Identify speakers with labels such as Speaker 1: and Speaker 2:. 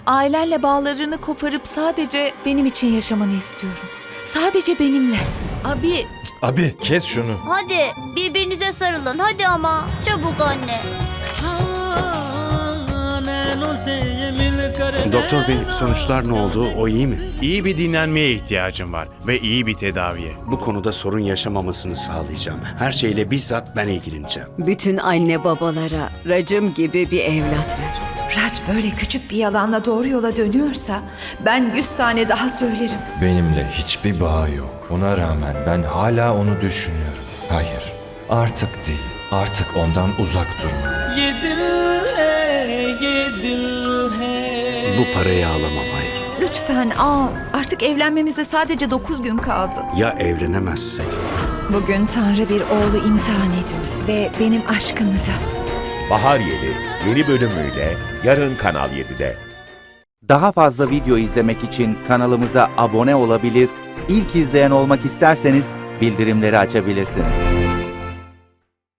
Speaker 1: Ailenle bağlarını koparıp sadece benim için yaşamanı istiyorum. Sadece benimle.
Speaker 2: Abi,
Speaker 3: Abi kes şunu.
Speaker 4: Hadi birbirinize sarılın hadi ama. Çabuk anne.
Speaker 5: Doktor bey, sonuçlar ne oldu? O iyi mi?
Speaker 6: İyi bir dinlenmeye ihtiyacım var ve iyi bir tedaviye.
Speaker 5: Bu konuda sorun yaşamamasını sağlayacağım. Her şeyle bizzat ben ilgileneceğim.
Speaker 7: Bütün anne babalara racım gibi bir evlat ver.
Speaker 8: Raç böyle küçük bir yalanla doğru yola dönüyorsa ben 100 tane daha söylerim.
Speaker 3: Benimle hiçbir bağı yok. Ona rağmen ben hala onu düşünüyorum. Hayır, artık değil. Artık ondan uzak durmalıyım.
Speaker 5: Bu parayı alamam, hayır.
Speaker 8: Lütfen artık evlenmemize sadece 9 gün kaldı.
Speaker 5: Ya evlenemezsek?
Speaker 8: Bugün Tanrı bir oğlu imtihan ediyor ve benim aşkımı da.
Speaker 9: Bahar Yeli yeni bölümüyle yarın Kanal 7'de.
Speaker 10: Daha fazla video izlemek için kanalımıza abone olabilir, ilk izleyen olmak isterseniz bildirimleri açabilirsiniz.